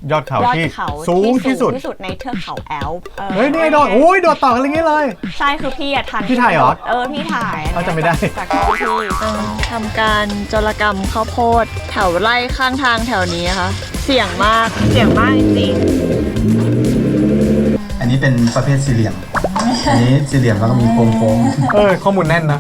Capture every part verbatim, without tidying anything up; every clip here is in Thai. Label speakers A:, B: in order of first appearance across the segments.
A: ยอดเขา
B: ยอด
A: ที่
B: เขา
A: สูงที่สุด
B: ที่สุดในเทือกเขาแอลป์
A: เฮ้ยนี่โดดโอ้ยโดดต่อกันอะไรเงี้ยเลย
B: ใช่คือพี่อะทัน
A: พี่ถ่ายเหรอ
B: เออพี่ถ่าย
A: เขาจะไม่ได้
B: จากกล้องพี่
C: ทำการโจรกรรมข้าวโพดแถวไร่ข้างทางแถวนี้นะคะเสี่ยงมาก
B: เสียงมากจริง
D: อันนี้เป็นประเภทสี่เหลี่ยม อันนี้สี่เหลี่ยมแล้วก็มีโค้ง
A: เออข้อมูลแน่นนะ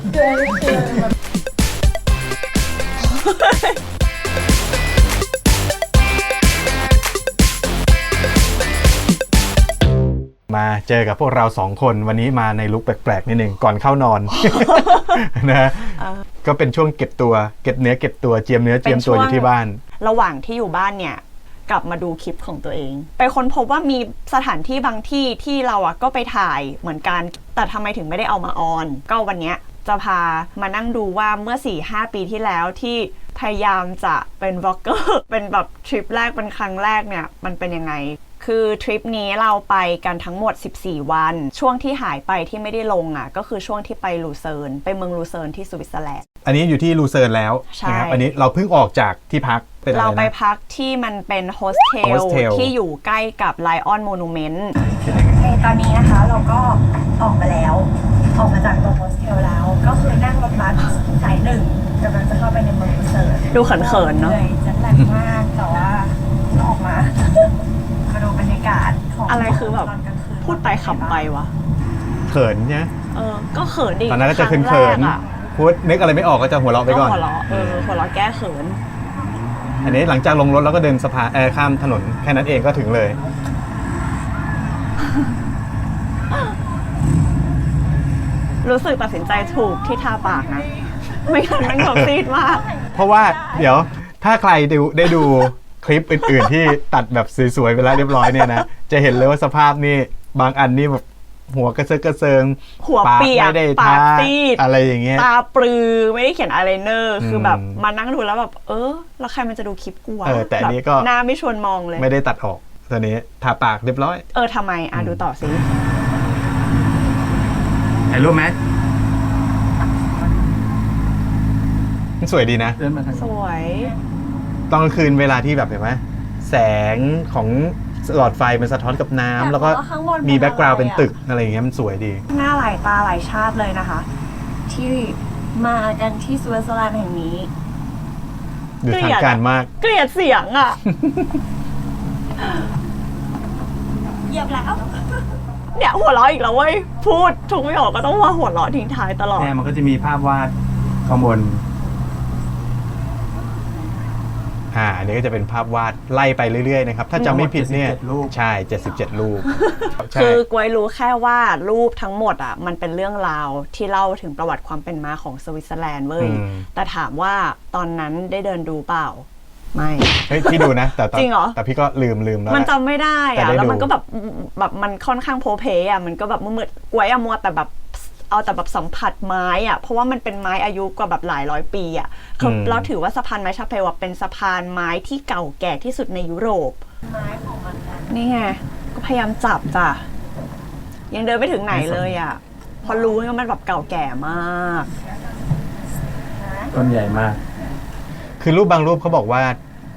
A: มาเจอกับพวกเราสองคนวันนี้มาในลุคแปลกๆนิดนึงก่อนเข้านอน นะก็เป็นช่วงเก็บตัวเก็บเนื้อเก็บตัวเจียมเนื้อเจียมตัวอยู่ที่บ้าน
B: ระหว่างที่อยู่บ้านเนี่ยกลับมาดูคลิปของตัวเองไปค้นพบว่ามีสถานที่บางที่ที่เราอ่ะก็ไปถ่ายเหมือนกันแต่ทำไมถึงไม่ได้เอามาออนก็วันเนี้ยจะพามานั่งดูว่าเมื่อ สี่ห้า ปีที่แล้วที่พยายามจะเป็นบล็อกเกอร์ เป็นแบบทริปแรกเป็นครั้งแรกเนี่ยมันเป็นยังไงคือทริปนี้เราไปกันทั้งหมดสิบสี่วันช่วงที่หายไปที่ไม่ได้ลงอ่ะก็คือช่วงที่ไปลูเซิร์นไปเมืองลูเซิร์นที่สวิตเซอร์แลนด์
A: อันนี้อยู่ที่ลูเซิร์นแล้วนะครับอันนี้เราเพิ่งออกจากที่พักเป็นอะไรนะ
B: เราไปพักที่มันเป็นโฮสเทลที่อยู่ใกล้กับไลออนโมนูเมนต์ตอนนี้นะคะเราก็ออกมาแล้วออกมาจากตัวโฮสเทลแล้วก็คือนั่งรถบัสสายหนึ่งกำลังจะเข้าไปในเมืองลูเซิร์นดูเขินๆเนาะจะแหลกมากแต่ว่าออกมามาดูบรรยากาศของอะไรคือแบบพูดไปขำไปวะ
A: เขินเนี่ย
B: เออก็เขินดิ
A: ตอนนั้นก็จะเขินๆพูดนึกอะไรไม่ออกก็จะหัวเราะไปก่อน
B: หัวเราะเออหัวเราะแก้เขิน
A: อันนี้หลังจากลงรถแล้วก็เดินสะพานเออข้ามถนนแค่นั้นเองก็ถึงเลย
B: รู้สึกตัดสินใจถูกที่ทาปากนะไม่งั้นมันแบบซีดมาก
A: เพราะว่าเดี๋ยวถ้าใครดูได้ดูคลิปอื่นๆที่ตัดแบบสวยๆไปแล้วเรียบร้อยเนี่ยนะจะเห็นเลยว่าสภาพนี่บางอันนี่แบบหัวกระเซิงกระเซิง
B: หัวเปียกปากซีด
A: อะไรอย่างเงี้ย
B: ตาปลือไม่ได้เขียนอายไลเนอร์คือแบบมานั่งดูแล้วแบบเออแล้วใครมันจะดูคลิปกูวะ
A: เออแต่อันนี้ก็
B: หน้าไม่ชวนมองเลย
A: ไม่ได้ตัดออกตอนนี้ทาปากเรียบร้อย
B: เออทำไมอ่ะดูต่อสิ
D: ถ่ายรูปไหม
A: สวยดีนะ
B: สวย
A: ตอนกลางคืนเวลาที่แบบเห็นไหมแสงของหลอดไฟมันสะท้อนกับน้ำแล้วก็มีแบ็กกราวด์เป็นตึกอะไรอย่างเงี้ยมันสวยดี
B: หน้าหลายตาหลายชาติเลยนะคะที่มากันที่สวิตเซอร์แลนด์แห่งนี้
A: ดูทางการมาก
B: เกลียดเสียงอ่ะเหยียบแล้วเนี่ยหัวเราะอีกแล้วเว้ยพูดทุกไม่ออกก็ต้องว่าหัวเราะทิ้งท้ายตลอด
D: เนี่ยมันก็จะมีภาพวาดข้างบน
A: อ่าอันนี้ก็จะเป็นภาพวาดไล่ไปเรื่อยๆนะครับถ้าจำไม่ผิดเนี่ยใช่เจ็ดสิบเจ็ดรูป
B: คือกวยรู้แค่ว่ารูปทั้งหมดอ่ะมันเป็นเรื่องราวที่เล่าถึงประวัติความเป็นมาของสวิตเซอร์แลนด์เว้ยแต่ถามว่าตอนนั้นได้เดินดูเปล่าไม่
A: เฮ้ยพี่ดูนะแต่
B: จริงเหรอ
A: แต่พี่ก็ลืมลืมแล้ว
B: มันจำไม่ได้อะแล้วมันก็แบบแบบมันค่อนข้างโพเพอะมันก็แบบมืดๆกวยอะมัวแต่แบบเอาแต่แบบสัมผัสไม้อะเพราะว่ามันเป็นไม้อายุกว่าแบบหลายร้อยปีอะคือเราถือว่าสะพานไม้ชาเพลเป็นสะพานไม้ที่เก่าแก่ที่สุดในยุโรปไม้ของมันนี่ไงก็พยายามจับจ้ะยังเดินไม่ถึงไหนเลยอะพอรู้ว่ามันแบบเก่าแก่มาก
D: ต้นใหญ่มาก
A: คือรูปบางรูปเขาบอกว่า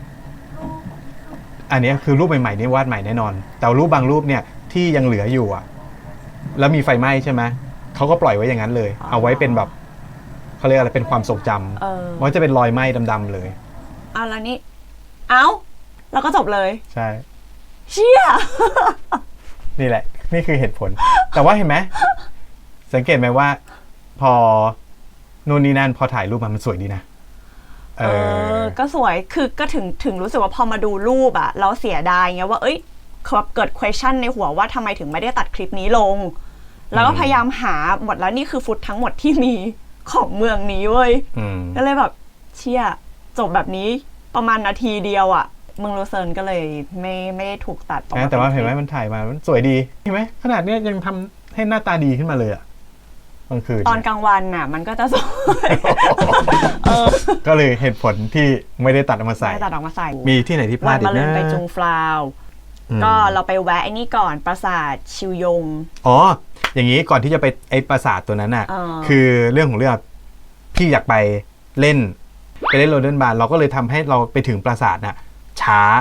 A: อันนี้คือรูปใหม่ๆนี่วาดใหม่แน่นอนแต่รูปบางรูปเนี่ยที่ยังเหลืออยู่อ่ะแล้วมีไฟไหม้ใช่ไหมเขาก็ปล่อยไว้อย่างนั้นเลยเอาไว้เป็นแบบเขาเรียกอะไรเป็นความทรงจำมันจะเป็นรอยไหม้ดำๆเลย
B: อ่ะแล้วนี่เอ้าแล้วก็จบเลย
A: ใช่
B: เชี่ย
A: นี่แหละนี่คือเหตุผลแต่ว่าเห็นไหมสังเกตไหมว่าพอนู่นนี่นั่นพอถ่ายรูปมันสวยดีนะ
B: เออก็สวยคือก็ถึงถึงรู้สึกว่าพอมาดูรูปอะเราเสียดายไงว่าเอ้ยเกิด question ในหัวว่าทำไมถึงไม่ได้ตัดคลิปนี้ลงแล้วก็พยายามหาหมดแล้วนี่คือฟุตทั้งหมดที่มีของเมืองนี้เว้ยก็เลยแบบเชี่ยจบแบบนี้ประมาณนาทีเดียวอะเมืองลูเซิร์นก็เลยไม่ไม่ได้ถูกตัด
A: แต่ว่าเห็นไหมมันถ่ายมามันสวยดีเห็นไหมขนาดนี้ยังทำให้หน้าตาดีขึ้นมาเลยอะกลางคืน
B: ตอนกลางวันน่ะมันก็จะสวย
A: ก็เลยเหตุผลที่ไม่ได้ตัดออกมาใส่
B: ไม่ตัดออกมาใส่
A: มีที่ไหนที่พลาดอีกนะ
B: วันมาเลินไปจุงฟลาวก็เราไปแวะไอ้นี่ก่อนปราสาทชิวยง
A: อ๋ออย่างนี้ก่อนที่จะไปไอ้ปราสาทตัวนั้นน่ะคือเรื่องของเรื่องพี่อยากไปเล่นไปเล่นโรเดนบาร์เราก็เลยทำให้เราไปถึงปราสาทน่ะช้า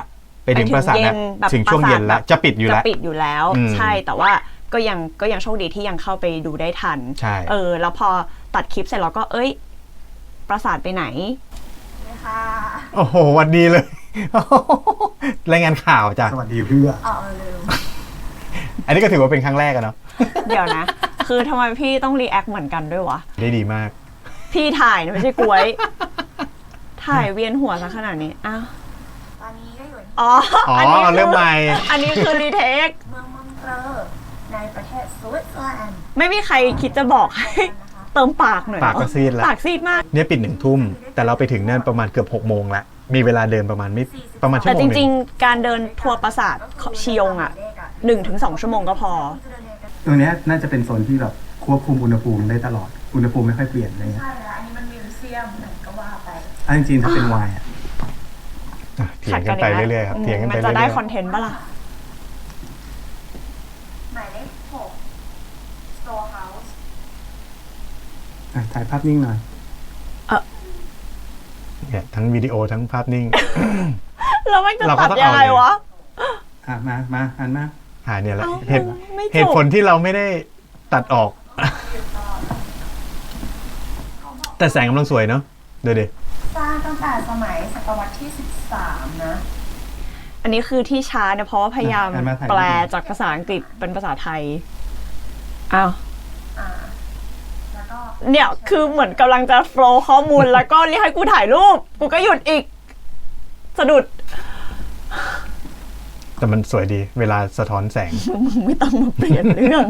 A: ไปถึงปราสาท
B: เย็
A: แล้ว
B: นแบบ
A: ถึงช่วงเย็นแล้ว
B: ปราสาท
A: จะปิดอยู่
B: จะ
A: แล้ว
B: ปิดอยู่แล้ว
A: อืม
B: ใช่แต่ว่าก็ยังก็ยังโชคดีที่ยังเข้าไปดูได้ทัน
A: ใช่
B: เออ แล้วพอตัดคลิปเสร็จเราก็เอ้ย ปราสาทไปไหน
A: โอ้โหหวันดีเลย รายงานข่าวจ้ะ
D: สวัสดีเพื่อ
A: อันนี้ก็ถือว่าเป็นครั้งแรกอะเนาะ
B: เดี๋ยวนะ คือทำไมพี่ต้องรีแอคเหมือนกันด้วยวะ
A: ได้ดีมาก
B: พี่ถ่ายนะไม่ใช่กล้วย ถ่ายเวียนหัวซะขนาดนี้ อ้าว
E: ตอนนี้ก็อยู่ที่
B: อ๋อ
A: อ๋อ
B: อันนี้คื
A: เริ่มใหม่
B: อันนี้คือรีเทค
E: เมืองมอนเตอร์ในประเทศสวิตเซอร์แลนด์
B: ไม่มีใครคิดจะบอกให้เติมปากหน่อยเหรอ
A: ปากก็ซีดแล้ว
B: ปากซีดมาก
A: เนี่ยปิดหนึ่งทุ่ม แต่เราไปถึงนั่นประมาณเกือบหกโมงแล้วมีเวลาเดินประมาณไม่ประมาณชั่ว
B: แต่
A: โมง
B: จ
A: หนึ่
B: ริง
A: ง
B: ๆ การเดินทัวร์ปราสาทชิยงอ่ะหนึ่งถึงสองชั่วโมงก็พอ
D: ตรงเนี้ยน่าจะเป็นโซนที่แบบควบคุมอุณหภูมิได้ตลอด อุณหภูมิไม่ค่อยเปลี่ยนอะไรเงี้ย
E: ใช่แล้วอันนี้มันมิวเซียมไหนก็ว่าไป
D: อันจริงๆถ้าเป็นไวน์อะ
A: อ่ะเถียงกันไปเรื่อยๆครับเถียงกันไป
B: มัน
A: เรื่
B: จะ
A: อยๆ
B: ได้คอนเทนต์ปะล่ะ
E: หมายเลขหก Store House
D: อ่ะถ่ายภาพนิ่งหน่อย
A: เนี่ยทั้งวิดีโอทั้งภาพนิ่ง
B: แล้วมันจะ
A: เราก็
B: ตัด
A: ต้อง
B: ยังไง
A: เอาเลย
B: วะ
D: อ่ะมามาอันมา
A: หาเนี่ยแหละ
B: เอ้า
A: เหตุ
B: ไม่จบ
A: เหตุผลที่เราไม่ได้ตัดออก แต่แสงกำลังสวยเนาะเดี๋ยวดิ
E: สร้างตั้งแต่สมัยศตวรรษที่สิบสามนะ
B: อันนี้คือที่ช้าเนี่ยเพราะว่าพยายาม
D: อ่ะมาถ่าย
B: แปลจากภาษาอังกฤษเป็นภาษาไทย อ้าว
E: อ่า แล้วก็
B: เนี่ยคือเหมือนกำลังจะโฟลว์ข้อมูล แล้วก็เรียกให้กูถ่ายรูป กูก็หยุดอีก สะดุด
A: แต่มันสวยดี เวลาสะท้อนแสง
B: มึงไม่ต้องมาเปลี่ยนเรื่อง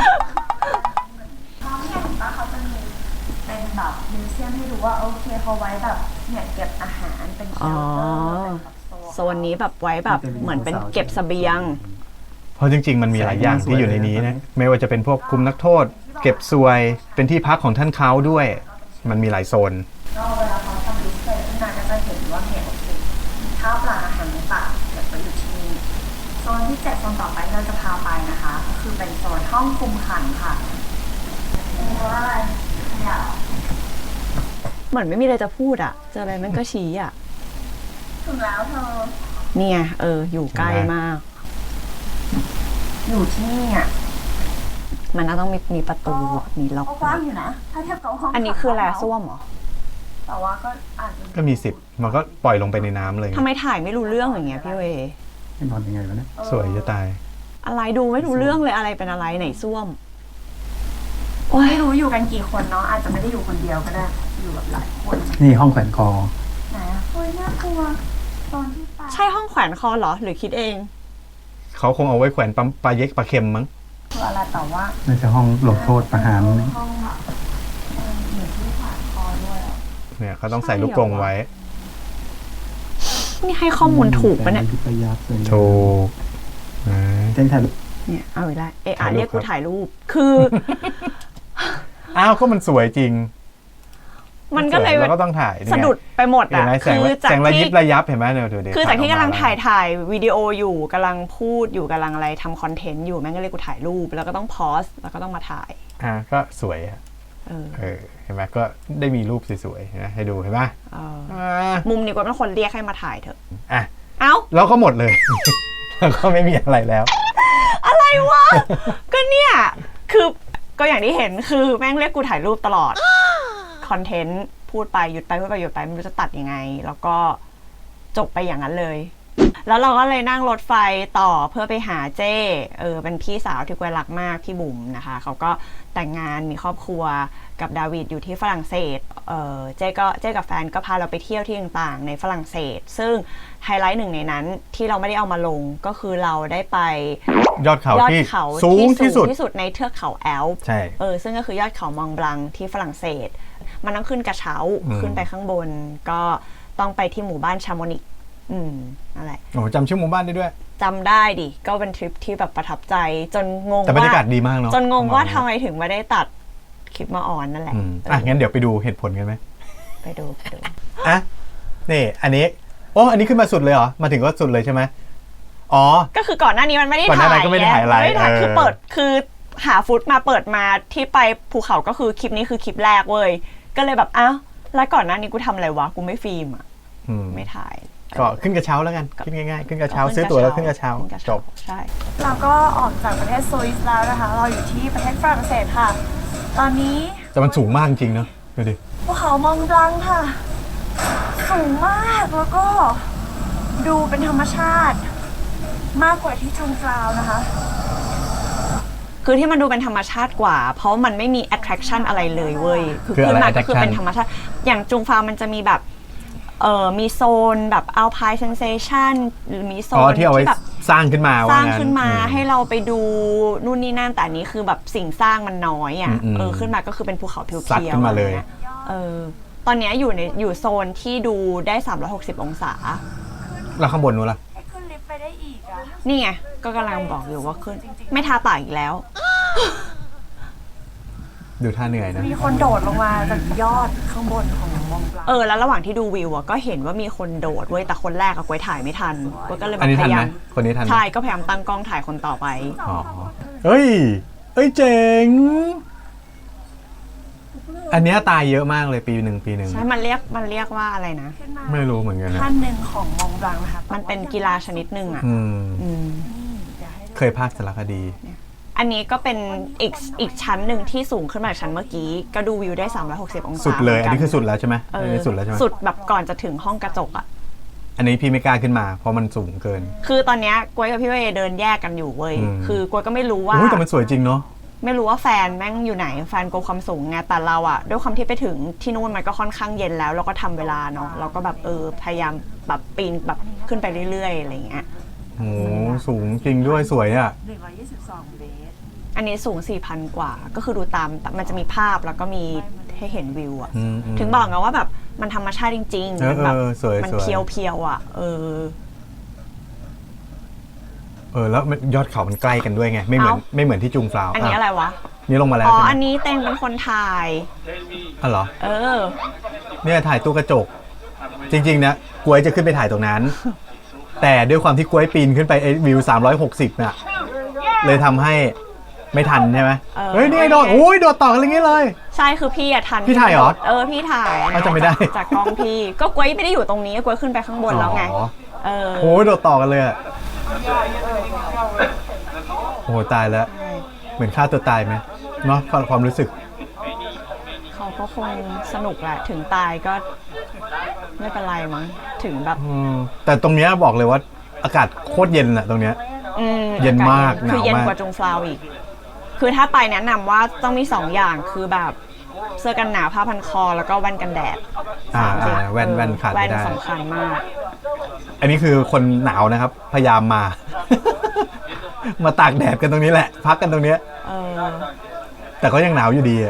E: ท้องเนี่ยเห็นปะเขาจะมีเป็นแบบมิวเซียมให้ดูว่าโอเคเขาไว้แบบเนี่ยเก็บอาหารเป็นเช
B: อ๋อ
E: ลเตอร์เป็นแบบโซ
B: โซนนี้แบบไว้แบบเหมือนเป็นเก็บเสบียง
A: เพราะจริง ๆ มันมีหลายอย่างที่อยู่ในนี้นะ ไม่ว่าจะเป็นพวกคุมนักโทษ เก็บซวย เป็นที่พักของท่านเขาด้วย มันมีหลายโซน
E: ก็เวลาเขาทำดิสเพลย์ขึ้นมาก็จะเห็นว่าเนี่ยโอเคมีข้าวปลาอาหารต่างๆเก็บไว้อยู่ที่นี่โซนที่เจ็ดโซนต่อไปที่เราจะพาไปนะคะก็คือเป็นโซนห้องคุมขังค่ะเพราะว่าอะไรอยาก
B: เหมือนไม่มีอะไรจะพูดอ่ะ เจออะไรมันก็ชี้อ่ะ
E: ถึงแล้วเธอ
B: เนี่ย เออ อยู่ใกล้มาก
E: อยู่ที่นี่อ่ะ
B: มันน่าต้องมีมีประตูอะมีล็อก
E: ก็กว้างอยู่นะ ถ้าเทียบกับห้อง
B: อันนี้คืออะไร
E: ขัง
B: ส้วมเหรอ
E: แต่ว่าก็อาจจะ
A: ก็มีสิบมันก็ปล่อยลงไปในน้ำเลย
B: ทำไมถ่ายไม่รู้เรื่องอย่างเงี้ยพี่เว
D: ให้นอนยังไงวะเนี่ย
A: สวยจะตาย
B: อะไรดูไม่รู้เรื่องเลยอะไรเป็นอะไรไหนส้วม
E: ไม่รู้อยู่กันกี่คนเนาะอาจจะไม่ได้อยู่คนเดียวก็ได้ อยู่แบบหลายคน
D: นี่ห้องแขวนคอ
E: ไหนอะโอ้ยน่ากลัวตอนที่ไป
B: ใช่ห้องแขวนคอเหรอ หรือคิดเอง
A: เขาคงเอาไว้แขวนปั๊มปลาเย็กปลาเค็มมั้ง
E: คืออะไรแต่ว่า
D: น่าจะห้องลงโทษประหาร
E: ห้องแบบเออเหมือนที่ผ่านคอด้วยอะ
A: เนี่ยเขาต้องใส่ลูกกรงไว้
B: นี่ให้ข้อมูลถูกปะเนี่ย
D: ที่ประยับเลย
A: ถูกนะ
D: เต้นถ่ายรูป
B: เนี่ยเอาอีกแล้วเอะอะ
A: ถ่ายรูป
B: เรียกกู
A: ครับ
B: ถ่ายรูป คือ
A: อ้าวก็มันสวยจริง
B: มันก็เลย
A: สวเราก็ต้องถ่ายนี่ไง
B: สะดุดไปหมด
A: เห็น
B: อ่ะ
A: ไหมแสง
B: คือจาก
A: แสงระยิ
B: ที่
A: บระยับเห็นไหมเนี่ยดูดิ
B: คือจากที่กำลัง
A: ออม
B: ถ่ายถ่ายวิดีโออยู่กำลังพูดอยู่กำลังอะไรทำคอนเทนต์อยู่แม่งก็เรียกกูถ่ายรูป แล้วก็ต้องพอสแล้วก็ต้องมาถ่าย
A: อ่ะก็สวยอ่ะ
B: เออ
A: เออเห็นไหมก็ได้มีรูปสวยๆนะให้ดูเห็นไหม
B: เออ
A: อ่า
B: มุมนี้ก็เป็นคนเรียกให้มาถ่ายเถอะ
A: อ่ะ
B: เอ้า
A: แล้วก็หมดเลย แล้วก็ไม่มีอะไรแล้ว
B: อะไรวะ ก็เนี่ย คือก็อย่างที่เห็นคือแม่งเรียกกูถ่ายรูปตลอด คอนเทนต์พูดไปหยุดไปพูดไปหยุดไปไม่รู้จะตัดยังไง แล้วก็จบไปอย่างนั้นเลย แล้วเราก็เลยนั่งรถไฟต่อเพื่อไปหาเจ้เออเป็นพี่สาวที่กวยรักมากพี่บุ๋มนะคะเขาก็แต่งงานมีครอบครัวกับดาวิดอยู่ที่ฝรั่งเศสเออเจ้ก็เจ้กับแฟนก็พาเราไปเที่ยวที่ต่างๆในฝรั่งเศส ซึ่งไฮไลท์หนึ่งในนั้นที่เราไม่ได้เอามาลงก็คือเราได้ไป
A: ยอดเขา
B: ยอด
A: ที่
B: เขา
A: สูงที่สุด
B: ที่สุดในเทือกเขาแอลป์
A: ใช่
B: เออซึ่งก็คือยอดเขามองบลังที่ฝรั่งเศส มันต้องขึ้นกระเช้า
A: อืม
B: ขึ้นไปข้างบน ก็ต้องไปที่หมู่บ้านชาโมนิกอืมอะไร
A: โอ้จำชื่อหมู่บ้านได้ด้วย
B: จำได้ดิ ก็เป็นทริปที่แบบประทับใจ จนงง
A: แต่บรรยากาศ
B: ว่า
A: ดีมากเนาะ
B: จนงงว่าทำไมถึงไม่ได้ตัดคลิปมาออนนั่นแหละ
A: อืม
B: เออ
A: อ่ะงั้นเดี๋ยวไปดูเหตุผลกันไหม
B: ไปดูไปดู
A: อ่ะนี่อันนี้โอ้อันนี้ขึ้นมาสุดเลยเหรอมาถึงก็สุดเลยใช่ไหมอ๋อ
B: ก็คือก่อนหน้านี้มันไม่ได้
A: ก่อนห
B: ถ่า
A: น้าย นั้นก็ไม่ได้ถ่ายอะไร
B: ไม่ได้ถ่าย
A: เออ
B: คือเปิดคือหาฟุตมาเปิดมาที่ไปภูเขาก็คือคลิปนี้คือคลิปแรกเว้ยก็เลยแบบอ้าวแล้วก่อนหน้านี้กูทำอะไรวะกูไม่ฟิล์มอ่ะ
A: อืม
B: ไม่ถ่าย
A: ก็ขึ้นกระเช้าแล้วกันขึ้นง่ายๆขึ้นกระเช้าซื้อตั๋วแล้วขึ้นกระเช้าจบ
B: ใช่
C: เราก็ออกจากประเทศสวิสแล้วนะคะ เราอยู่ที่ประเทศฝรั่งเศสค่ะ ตอนนี้
A: แต่มันสูงมากจริงเนาะดูดิ
C: ภูเขามองบลังค่ะ สูงมากแล้วก็ดูเป็นธรรมชาติ มากกว่าที่จุงฟราวนะคะ
B: คือที่มันดูเป็นธรรมชาติกว่า เพราะมันไม่มี attraction อะไรเลยเว้ย คือ
A: คือ
B: ขึ้น
A: อะไร
B: มาก็คือ
A: attraction
B: เป็นธรรมชาติ อย่างจุงฟามันจะมีแบบ เอ่อ มีโซนแบบ alpine sensation หรือมีโซ
A: อ๋อน ที่เอาไว้
B: ที่แบบ
A: สร้างขึ้นมา
B: ส
A: ว่า
B: ร้าง
A: งั้น
B: ขึ้นมา
A: อื
B: ให้เราไปดูนู่นนี่นั่น แต่อันนี้คือแบบสิ่งสร้างมันน้อยอ่ะ
A: อืมๆ
B: เออ ขึ้นมาก็คือเป็นภูเขาเพียวๆ
A: ซัดขึ้นมาเลย
B: อะไรงี้เออ ตอนเนี้ยอยู่ในอยู่โซนที่ดูได้สามร้อยหกสิบองศา
A: แล้วข้างบนนู้นล่ะ
C: ให้ขึ้นลิฟต์ไปได้อีกอะ
B: นี่ไง ก็กำลังบอกอยู่ว่าขึ้น ไม่ทาปากอีกแล้ว
A: ดูท่าเหนื่อยนะ
C: มีคนโดดลงมาจากยอดข้างบนของมองบลัง
B: เออ แล้วระหว่างที่ดูวิวอะก็เห็นว่ามีคนโดดเว้ย แต่คนแรกอะกวยถ่ายไม่ทันกวยก็เลยแบ
A: อัน
B: บ
A: นี้
B: พ
A: ทัน
B: ยา
A: ไหม
B: ยาม
A: คนนี้ทันไหม
B: ใช่ ก็พยายามตั้งกล้องถ่ายคนต่อไป
A: อ๋อเฮ้ยเอ้ยเจ๋ง อันเนี้ยตายเยอะมากเลยปีหนึ่งปีหนึ่ง
B: ใช่ มันเรียก มันเรียกว่าอะไรนะ
C: ขึ้นมา
A: ไม่รู้เหมือนกันนะ
C: ขั้นหนึ่งของมองบลังนะคะ
B: มันเป็นกีฬาชนิดหนึ่งอะ
A: อืม
B: อืม
C: เดี๋ยวให้ดู
A: เคยพากย์สารคดี
B: อันนี้ก็เป็นอีกอีกชั้นหนึ่งที่สูงขึ้นมาจากชั้นเมื่อกี้ ก็ดูวิวได้สามร้อยหกสิบองศา
A: สุดเลย
B: หมื
A: อัน
B: กั
A: นี้คือสุดแล้วใช่ไหม
B: เอ
A: อัน
B: อ
A: นี้สุดแล้วใช่ไหม
B: สุดแบบก่อนจะถึงห้องกระจกอะ
A: อันนี้พี่ไม่กล้าขึ้นมา เพราะมันสูงเกิน
B: คือตอนเนี้ยกวยกับพี่เวย์เดินแยกกันอยู่เว้ย
A: อืม
B: คือกวยก็ไม่รู้ว่า
A: โอ้ยแต่มันสวยจริงเนาะ
B: ไม่รู้ว่าแฟนแม่งอยู่ไหน แฟนกลัวความสูงไง แต่เราอะด้วยความที่ไปถึงที่นู่นมันก็ค่อนข้างเย็นแล้ว เราก็ทำเวลาเนาะ เราก็แบบเออพยายามแบบปีนแบบขึ้นไปเรื่อยๆอะไรอย่างเงี้ย
A: โอ้โหสูงจริงด้วยสวยอ่ะ
C: หนึ่งร้อยยี่สิบสองเมตร
B: อันนี้สูง สี่พัน กว่า ก็คือดูตามมันจะมีภาพแล้วก็มีให้เห็นวิวอะ
A: อืมอืม
B: ถึงบอกไงว่าแบบมันธรรมชาติจริง
A: เออ
B: ๆ มันแบบ
A: เออสวย
B: มัน
A: สวย
B: เพียวๆอะเออ
A: เออแล้วมันยอดเขามันใกล้กันด้วยไง ไม่เหมือน
B: เอ้า
A: ไม่เหมือนที่จุงฟลาว
B: อันนี้อะไรวะ
A: นี่ลงมาแล้ว
B: อ๋อ
A: ใช่ไหม
B: อันนี้เต็งเป็นคนถ่าย
A: อ๋อเหรอ
B: เออ
A: เนี่ยถ่ายตู้กระจก จริงๆนะกล้วยจะขึ้นไปถ่ายตรงนั้น แต่ด้วยความที่กล้วยปีนขึ้นไปไอ้วิวสามร้อยหกสิบน่ะเลยทำให้ไม่ทันใช่ไหม
B: เออ
A: เฮ้ยนี่ไงโดดโอ้ยโดดต่อกันอย่างงี้เลย
B: ใช่คือพี่อะทัน
A: พี่ถ่ายเหรอ
B: เออพี่ถ่ายอันนี้
A: อ้าวจำไม่ได้
B: จากจากกล้องพี่ ก็กวยไม่ได้อยู่ตรงนี้กวยขึ้นไปข้างบนแล้วไง
A: อ๋อ
B: เออ
A: โอ้ยโดดต่อกันเลยอะโอ้โหตายแล้ว เหมือนฆ่าตัวตายไหมเนาะความความรู้สึก
B: เขาก็คงสนุกแหละถึงตายก็ไม่เป็นไรมั้งถึงแบบ
A: อืมแต่ตรงเนี้ยบอกเลยว่าอากาศโคตรเย็นอะตรงเนี้ย
B: อืม
A: เย็นมาก
B: อศคือ
A: หนาวมาก
B: เย็นกว่าจงฟลาวอีก คือถ้าไปแนะนำว่าต้องมีสองอย่างคือแบบเสื้อกันหนาวผ้าพันคอแล้วก็แว่นกันแดด
A: อ่า
B: สามสิ่ง
A: อ่าแว่น
B: เออ
A: แว่นขาดไม่
B: แว่น
A: ได้
B: สำคัญมาก
A: อันนี้คือคนหนาวนะครับ พยายามมา มาตากแดดกันตรงนี้แหละ พักกันตรงเนี้ย
B: เออ
A: แต่ก็ยังหนาวอยู่ดีอะ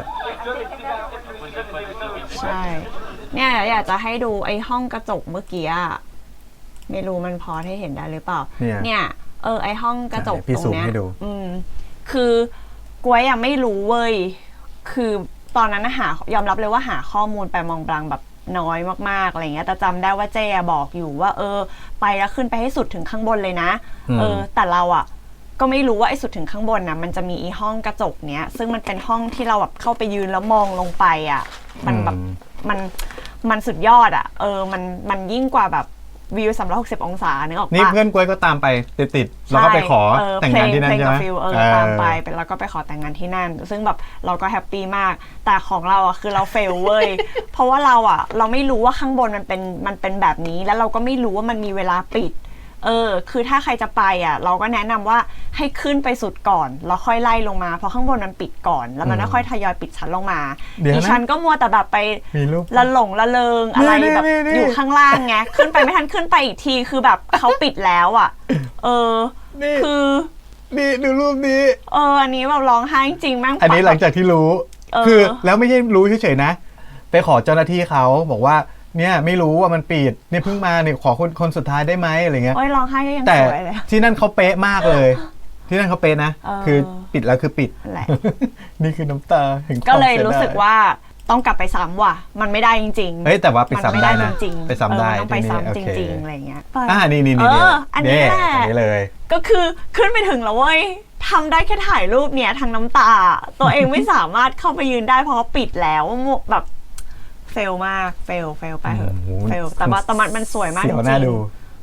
B: ใช่ เนี่ยอยากจะให้ดูไอ้ห้องกระจกเมื่อกี้อะไม่รู้มันพอให้เห็นได้หรือเปล่า
A: เนี่ย
B: เนี่ย เออไอ้ห้องกระจก
A: พี่
B: ตร
A: ซู
B: ง
A: ม
B: เนี้ย
A: ให้ดู
B: อืม คือกล้วยยังไม่รู้เว้ย คือตอนนั้นน่ะหายอมรับเลยว่าหาข้อมูลไปมองบลังแบบน้อยมากๆอะไรเงี้ย แต่จำได้ว่าเจ๊อะบอกอยู่ว่า เออ ไปแล้วขึ้นไปให้สุดถึงข้างบนเลยนะ เออ แต่เราอ่ะ ก็ไม่รู้ว่าไอ้สุดถึงข้างบนนะมันจะมีอีห้องกระจกเนี้ย ซึ่งมันเป็นห้องที่เราแบบเข้าไปยืนแล้วมองลงไปอ่ะ มันแบบ
A: อืม
B: มันมันสุดยอดอ่ะ เออ มันมันยิ่งกว่าแบบวิวสามร้อยหกสิบองศานึกออกปะ
A: นี่เพื่อนกล้วยก็ตามไปติดๆแล้วก็ไปขอ
B: ใช่
A: แต่งงานที่นั่น
B: เพล
A: ใช่
B: กั
A: ไห
B: บ
A: ม
B: ฟิลเออ
A: เออ
B: ตามไปเป็นแล้วก็ไปขอแต่งงานที่นั่น ซึ่งแบบเราก็แฮปปี้มาก แต่ของเราอ่ะคือเราเฟลเว้ย เพราะว่าเราอ่ะ เราไม่รู้ว่าข้างบนมันเป็นมันเป็นแบบนี้ แล้วเราก็ไม่รู้ว่ามันมีเวลาปิด เออ คือถ้าใครจะไปอ่ะ เราก็แนะนำว่าให้ขึ้นไปสุดก่อนแล้วค่อยไล่ลงมาเพราะข้างบนมันปิดก่อน แล้วมันก็ค่อยทยอยปิดชั้นลงมา
A: เดี๋ยวนะ
B: ดิฉันก็มัวแต่แบบไป
A: มีรูป
B: ละหลงละเลงอะไร
A: นี่
B: แบบ
A: นี่นี่
B: อยู่ข้างล่างไงขึ้นไปไม่ทันขึ้นไปอีกทีคือแบบเขาปิดแล้วอ่ะ เออ
A: นี่
B: คือ
A: นี่ดูรูปนี้
B: เอออันนี้แบบร้องไห้จริงๆแม่ง
A: อันนี้หลังจากที่รู้
B: เออ
A: คือแล้วไม่ใช่รู้เฉยๆนะ ไปขอเจ้าหน้าที่เขาบอกว่า เนี่ยไม่รู้ว่ามันปิดเนี่ยเพิ่งมาเนี่ยขอคนคนสุดท้ายได้ไหมอะไรเงี้ย
B: โอ้ยร้องไห้ก็ยัง
A: แต่
B: สวยเลย
A: ที่นั่นเขาเป๊ะมากเลย ที่นั่นเขาเป๊ะนะ
B: เออ
A: คือปิดแล้วคือปิด
B: นั่นแหละ
A: นี่คือน้ำตาแห่งความ
B: ก็เลย
A: สีด
B: รู้สึกว่าต้องกลับไปซ้ำว่ะ มันไม่ได้จริงๆ
A: เฮ้ยแต่ว่าไป
B: มัน
A: ซ้ำ
B: ไม่
A: ได้
B: ได้
A: นะ
B: จริงๆ
A: ไปซ้ำได้
B: เออต้องไป
A: ที่นี่
B: ซ้ำ
A: โอ
B: จ
A: เค
B: ริงๆอะไรเงี้ย
A: อ่านี่นี่
B: เอ
A: นี่
B: ออันนี้แหละ
A: อันนี้เลย
B: ก็คือขึ้นไปถึงแล้วเว้ยทำได้แค่ถ่ายรูปเนี่ยทางน้ำตา ตัวเองไม่สามารถเข้าไปยืนได้เพราะว่าปิดแล้วแบบเฟลมากเฟลเฟลไปเหอะ
A: โอ้โห
B: เฟลแต่ว่าแต่มันมันสวยมากจ
A: เสียว
B: ริ
A: น่าง ดู
B: ๆ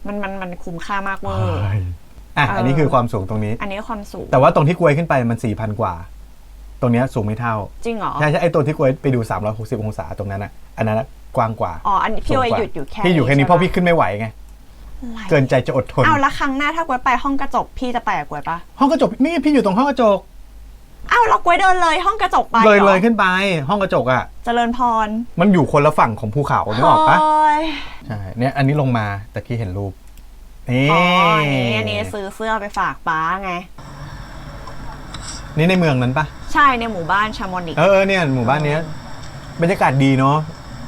B: มันมันมันคุ้มค่ามากเวอร์
A: อ่ะ
B: เอออั
A: อันนี้คือความสูงตรงนี้
B: อันนี้ความสูง
A: แต่ว่าตรงที่กลวยขึ้นไปมัน สี่พัน กว่า ตรงเนี้ยสูงไม่เท่า
B: จริงเหรอ
A: ใช่ใช่ไอ้ตัวที่กลวยไปดูสามร้อยหกสิบองศาตรงนั้นอ่ะอันนั้นอะกว้างกว่า
B: อ๋ออันนี้พี่
A: สูง
B: ไว้
A: กว่า
B: หยุดอยู่แค่
A: พี่อยู่แค่นี้เพราะพี่ขึ้นไม่ไหวไง
B: อะไร
A: เกินใจจะอดทน
B: อ้าวแล้วครั้งหน้าถ้ากวยไปห้องกระจกพี่จะไปกับกวยปะ
A: ห้องกระจกนี่พี่อยู่ตรงห้องกระจก
B: อ้าวเรากวยเดินเลยห้องกระจกไป
A: เลย
B: หรอ
A: เลยขึ้นไป ห้องกระจกอ่ะ
B: เจริญพร
A: มันอยู่คนละฝั่งของภูเขานึกออกปะ
B: โอ้ย
A: ใช่เนี่ยอันนี้ลงมาแต่กี้เห็นรูปนี่
B: อ๋ออันนี้อันนี้ซื้อเสื้อไปฝากป้าไง
A: นี่ในเมืองนั้นปะ
B: ใช่ในหมู่บ้านชามอนิก
A: เออเออเนี่ยหมู่บ้านเนี้ยบรรยากาศดีเนาะ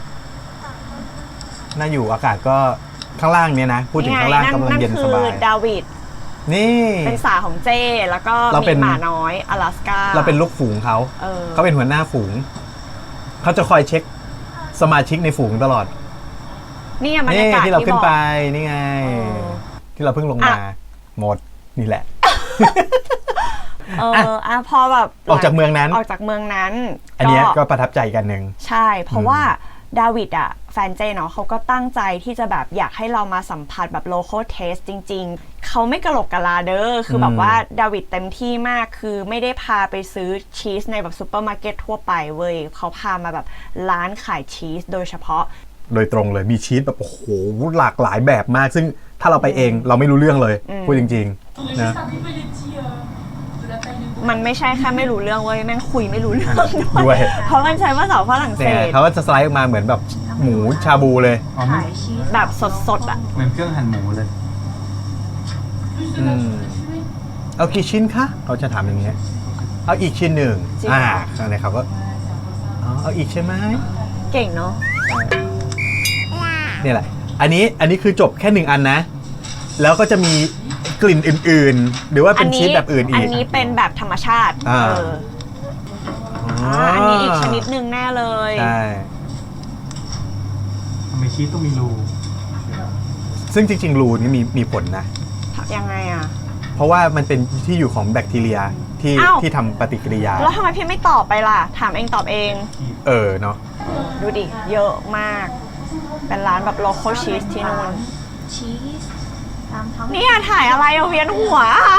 A: น่าอยู่อากาศก็ข้างล่างเนี่ยนะพูดถึงข้างล่างกำลังเย็นสบาย
B: นั่นคือดาวิด
A: นี่
B: เป็นสาของเจแล้วก็
A: เราเป็
B: มี
A: น
B: หมาน้อยอลาสกา
A: เราเป็นลูกฝูงเขา
B: เออ
A: เขาเป็นหัวหน้าฝูงเขาจะคอยเช็คสมาชิกในฝูงตลอด
B: นี่ไงบรร
A: นี่
B: ยากาศ
A: ที่เราขึ้น
B: บอก
A: ไปนี่ไง
B: เออ
A: ที่เราเพิ่งลงมา
B: อ่ะ
A: หมดนี่แหละ
B: เอออ่ะพอแบบ
A: ออกจากเมืองนั้น
B: ออกจากเมืองนั้น
A: อันเนี้ยก็ประทับใจกันหนึ่ง
B: ใช่ เพราะว่าดาวิดอะแฟนเจเนาะเขาก็ตั้งใจที่จะแบบอยากให้เรามาสัมผัสแบบ local taste จริงๆ เขาไม่กระโหลกกะลาเด้อคือแบบว่าดาวิดเต็มที่มากคือไม่ได้พาไปซื้อชีสในแบบซูเปอร์มาร์เก็ตทั่วไปเว้ยเขาพามาแบบร้านขายชีสโดยเฉพาะ
A: โดยตรงเลยมีชีสแบบโอ้โหหลากหลายแบบมาก ซึ่งถ้าเราไปเองเราไม่รู้เรื่องเลย
B: อืม
A: พูดจริงๆนะ
B: มันไม่ใช่แค่ไม่รู้เรื่องเว้ยแม่งคุยไม่รู้เรื่อง
A: ด้
B: ด้
A: ว
B: วย ย เพราะมันใช้ภาษาฝรั่งเศ
A: เนี่ย
B: ส
A: เขาก็จะสไลด์ออกมาเหมือนแบบหมูชาบูเลย
D: อ๋อไม่
B: แบบสดๆอ่ะ
D: เหมือนเครื่องหั่นหมูเลย
A: อืมเอากี่ชิ้นคะเขาจะถามอย่างเงี้ยเอาอีกชิ้นหนึ่ง
B: จริง
A: อ่า
B: เหรอ
A: อะไรเขาก็อ๋อเอาอีกใช่ไหม
B: เก่งเนาะ
A: เนี่ยแหละ อันนี้อันนี้คือจบแค่หนึ่งอันนะ แล้วก็จะมีกลิ่นอื่นๆ หรือว่าเป็นชีสแบบอื่นอี
B: อั
A: ก
B: นนี้เป็นแบบธรรมชาติ
A: อ่า
B: เอออ่าอันนี้อีกชนิดหนึ่งแน่เลย
A: ใช่
D: ทำไมชีสต้องมีรู
A: ซึ่งจริงๆ รูนี่มีมีผลนะ
B: ยังไงอ่ะ
A: เพราะว่ามันเป็นที่อยู่ของแบคทีเรียที่
B: อ้าว
A: ที่ทำปฏิกิริยา
B: แล้วทำไมพี่ไม่ตอบไปล่ะ ถามเองตอบเอง
A: เออเนาะ
B: ดูดิ เยอะมาก เป็นร้านแบบ local cheese ที่นู่น
C: ชีสตามท้อง
B: เนี่ยถ่ายอะไรเอาเวียนหัว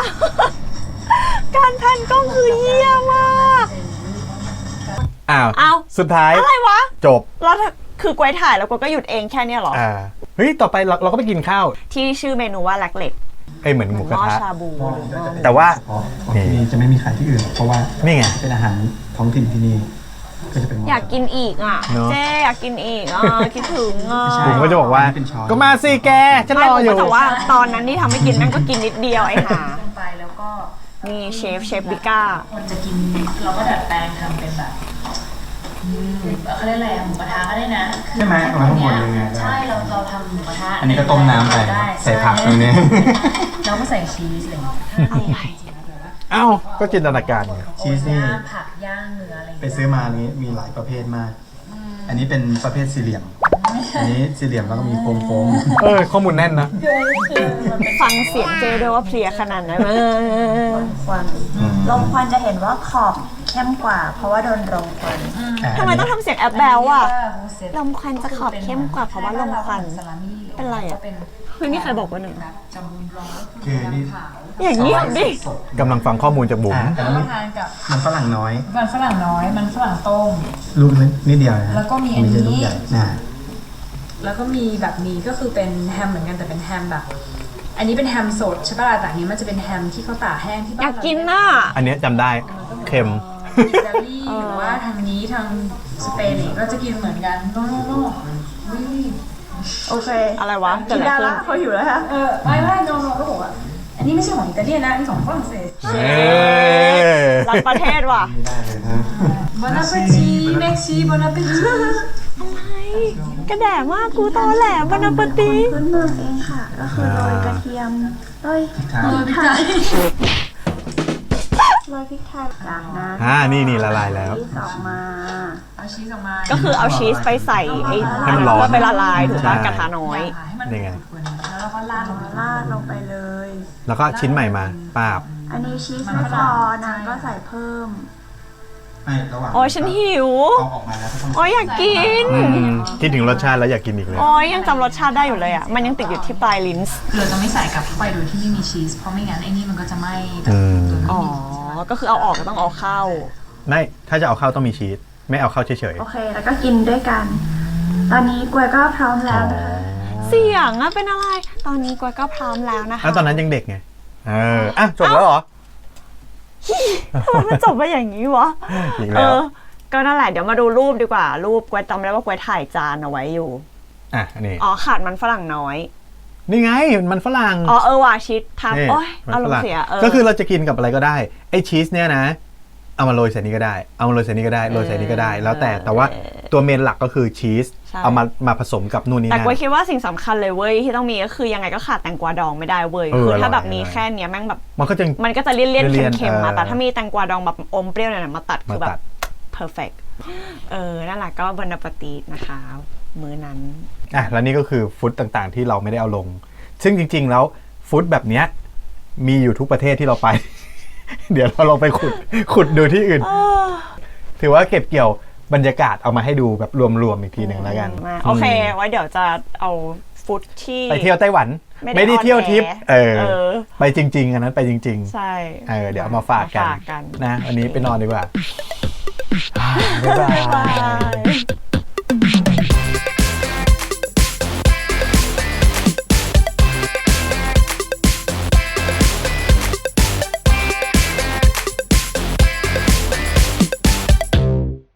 B: การแพนกล้องคือเยี่ยมมาก
A: อ้าว
B: อ้าว
A: สุดท้าย
B: อะไรวะ
A: จบ
B: แล้วถ้าคือกวยถ่ายแล้วกวยก็หยุดเองแค่เนี้ยเหรอ
A: อ่าเฮ้ย ต่อไปเราเราก็ไปกินข้าว
B: ที่ชื่อเมนูว่าแลกเล็ก
A: เอ้ยเหมือนหมูกระ
B: หม้อ
A: ทะ
B: ชาบูหรือหม้อ
A: แต่ว่า
D: อ๋อของที่นี่จะไม่มีขายที่อื่น เพราะว่า
A: นี่ไง
D: เป็นอาหารท้องถิ่นที่นี่ก็จะเป็น
B: อยากกินอีกอ่ะ
A: เนอะ
B: เจ๊อยากกินอีกอ่ะ คิดถึงอ่ะ
D: ใช่
A: ผมก็จะบอกว่า
D: เป็นช้อน
A: ก็มาสิแกฉันร
B: ไม่
A: อ
B: ผม
A: อยู่
B: ก็แต่ว่าตอนนั้นที่ทำให้กินนั่นก็กินนิดเดียวไอ้ห่า
E: ลงไปแล้วก็
B: นี่เชฟเชฟบิก้า
E: คนจะกินเราก็ดัดแปลงทำเป็นแบบอืมเขาเรียกอะไรอะหมูกระทะก็ได้นะ
D: ใช่ไหมเอาไว้ข้างบนเลยไง
E: ใช่เราเราทำหมูกระทะ
D: อันนี้ก็ต้มน้ำไป
E: ได้
D: ใส่ผักตรงนี้
E: เราก็ใส่ชีสอะไรอย่างเงี้ย
B: อะไร
A: เอ้า ก็จินตนาการไง
D: ชีสนี่
E: ย่างผักย่างเนื้ออะไรอย่าง
D: ไป
E: เงี้ย
D: ซื้อมานี้มีหลายประเภทมาก อันนี้เป็นประเภทสี่เหลี่ยม อันนี้สี่เหลี่ยมแล้วก็มีโค้ง
A: เออ ข้อมูลแน่นนะ
B: ฟังเสียงเจด้วยว่าเพลียขนาดไหนเออ
C: ควัน
D: ๆอืม
C: ลมควันจะเห็นว่าขอบเข้มกว่า เพราะว่าโดนลมควัน
D: อ่ะ
B: ทำไมต้องทำเสียงแอบแบลอ่ะ
E: เสร็จ
B: ลมควันจะขอบเข้มกว่าเพราะว่าลมควัน
E: ซาลามี่
B: เป็นไรอะ
E: ก็เป็น
B: เฮ้ยนี่ใครบอกว่าหนึ่ง
E: แบบจำบุญร้อน
D: คือนี่
E: ขาว
B: อย่างนี้ดิ
D: สด
A: กำลังฟังข้อมูลจากบุ๋ม
D: อ่ะอัน
E: แล้ว
D: นี้
E: ก็ทานกับ
D: มันฝรั่งน้อย
E: มันฝรั่งน้อย มันฝรั่งต้ม
D: ลูกนิดเดียวนะฮะ
E: แล้วก็มีอันนี้
D: ไใช่ลูกใหญ่นะ
E: แล้วก็มีแบบนี้ก็คือเป็นแฮมเหมือนกันแต่เป็นแฮมแบบ อันนี้เป็นแฮมสดใช่ป่ะแต่อันนี้มันจะเป็นแฮมที่เขาตากแห้งที่บ้าน
B: อยากกินน่ะ
A: อันเนี้ยจำได้เค็ม
E: อิตาลีหรือว่าทางนี้ทางสเปนเนี่ยก็จะกินเหมือนกันโน่โน่โน่วิว
C: โอเค
B: อะไรวะเกิด
C: กิน
B: อะไร
C: ได้
B: ขึ้
C: ละ
B: น
C: เขาหิวแล้วฮะ
E: เออไม่ไม่โนโนก็บอกว่าอันนี้ไม่ใช่ของอิตาลีนะอันนี้ของฝรั่งเศส
A: เอ้ย
B: รักประเทศว่ะ
D: ไม่ได้เลยนะ
E: บอนาเปตีเม็กซีบอนาเปตี
B: กระแดะมากกูตอแหลบานาปติ
C: พื้นเมืองเองค่ะ ก็คือโรยกระเทียมโรย
D: ครับ
C: พริกไทยโรยพริกไทยจากนั้น
A: อ่านี่นี่ละลายแล้ว
C: ชีสออกมา
E: เอาชีสออกมา
B: ก็คือเอาชีสไปใส่ไอ้
A: ให้มันร้อน
B: เพื่อไปละลายถูกป่ะ
A: ใช่
B: กระทะน้อย
E: ให้มัน
A: นี่ไง
E: ขุ่นๆแล้วเราก็ราดลงไป
C: ราดลงไปเลย
A: แล้วก็ชิ้นใหม่มาป้าบ
C: อันนี้ชีสไม่พอนะก็ใส่เพิ่ม
D: ไม่ระหว่าง
B: โอ้ยฉันหิว
D: เอาออกมาแล้วก็ต้อง
B: โอ้ยอยากกิน
A: อืมคิดถึงรสชาติแล้วอยากกินอีกเลย
B: โอ้ยยังจำรสชาติได้อยู่เลยอ่ะ มันยังติดอยู่ที่ปลายลิ้น
F: คือเราจะไม่ใส่กลับเข้าไปโดยที่ไม่มีชีส เพราะไม่งั้นไอ้นี่มันก็จะไม่แบบ
A: อืม
F: โดยไม่
B: อ๋อ
F: มี
B: ก็คือเอาออกก็ต้องเอาเข้า
A: ไม่ถ้าจะเอาเข้าต้องมีชีสไม่เอาเข้าเฉย
C: โอเค แล้วก็กินด้วยกัน ตอนนี้กล้วยก็พร้อม
A: ๆ
C: แล้วนะคะ
B: เสียงอะเป็นอะไร ตอนนี้กวยก็พร้อมแล้วนะคะ
A: แล้วตอนนั้นยังเด็กไงเอออ่ะจบแล้วเหรอ
B: ทำไมมันจบไปอย่างนี้วะ
A: อีก
B: เอ
A: แล้ว
B: อ ก็นั่นแหละเดี๋ยวมาดูรูปดีกว่า รูปกวยจำได้ว่ากวยถ่ายจานเอาไว้อยู่
A: อ่ะนี่
B: อ๋อขาดมันฝรั่งน้อย
A: นี่ไงมันฝรั่ง
B: อ๋อเออว่ะชีสทำ
A: นี่
B: โอ้ย
A: มัน
B: อาร
A: ฝ
B: ม
A: รั่
B: ณ์
A: ง
B: เสียเออ
A: ก็คือเราจะกินกับอะไรก็ได้ไอ้ชีสเนี่ยนะ เอามาโรยใส่นี้ก็ได้ เอามาโรยใส่นี้ก็ได้โรยใส่นี้ก็ได้ แล้วแต่แต่ว่าตัวเมนหลักก็คือชีส
B: ใช่
A: เอามามาผสมกับนู่นนี่
B: แต่
A: นั่น
B: กวยคิดว่าสิ่งสำคัญเลยเว้ยที่ต้องมีก็คือยังไงก็ขาดแตงกวาดองไม่ได้เว้ย
A: เออ
B: คือถ้า
A: อร่อย
B: แบบมี
A: อร่อย
B: แค่เนี้ยแม่งแบบ
A: มันก็จะ
B: มันก็จะเลี่ยน
A: เลี่
B: เลี่ย
A: ย
B: น
A: นๆ
B: เค็มๆมา
A: เออ
B: แต่ถ้ามีแตงกวาดองแบบอมเปรี้ยวเนี่ยมาตัดคือ
A: มา
B: แบ
A: ตั
B: บ
A: ด
B: perfect เออนั่นแหละก็บนปาตีนะคะ มื้อนั้น
A: อ่ะแล้วนี่ก็คือฟุตต่างๆ ที่เราไม่ได้เอาลง ซึ่งจริง ๆ แล้วฟุตแบบเนี้ยมีอยู่ทุกประเทศที่เราไป เดี๋ยวเราลองไปขุดขุดดูที่อื่น ถือว่าเก็บเกี่ยวบรรยากาศเอามาให้ดูแบบรวมๆอีกทีหนึ่งแล้วกัน
B: มาโอเค ไว้เดี๋ยวจะเอาฟุตที่
A: ไปเที่ยวไต้หวัน
B: ไม่ได้
A: ไม่ได้เที่ยวทิป
B: ออนแอร์
A: เออ
B: เออ
A: ไปจริง ๆ อันนั้นไปจริง
B: ใช่
A: ๆ เออเดี๋ยวเอามาฝากกัน
B: มาฝากกัน
A: นะวันนี้ไปนอนดีกว่า บ๊ายบา
B: บ๊ายบาย ย